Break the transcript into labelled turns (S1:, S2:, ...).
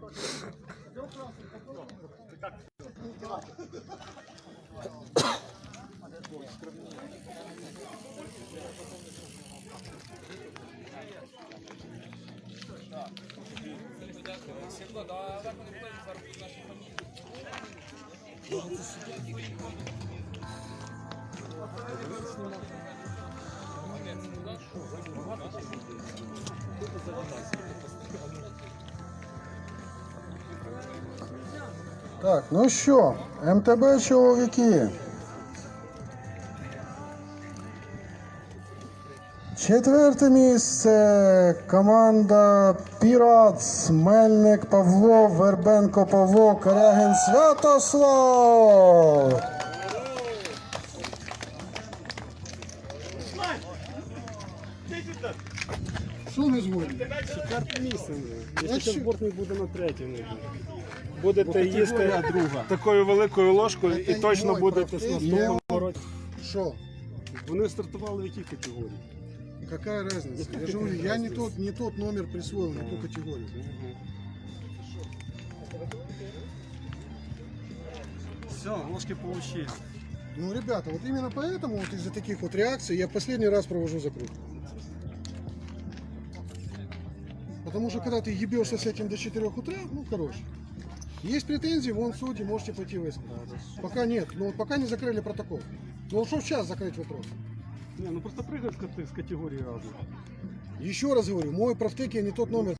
S1: Так, ну що, МТБ чоловіки. Четверте місце. Команда Піратс. Мельник Павло, Вербенко Павло, Корягін Святослав. Що ми згодні?
S2: Четверте місце вже. Якщо зборний буде на третьому. Будете їсти такою великою ложкою і точно будете з наступного року.
S1: Що?
S2: Вони стартували в якій категорії?
S1: Какая разница? Я же говорю, я не тот номер присвоил, не ту категорию.
S2: Все, ложки получили.
S1: Ну, ребята, вот именно поэтому, вот из-за таких вот реакций, я последний раз провожу закрутку. Потому что когда ты ебешься с этим до 4 утра, ну, короче. Есть претензии, вон судьи, можете пойти высказать. Пока нет, ну вот пока не закрыли протокол. Ну вот что в час закрыть вопрос?
S2: Не, ну просто прыгать с категории разных.
S1: Еще раз говорю, мой профтеки не тот номер.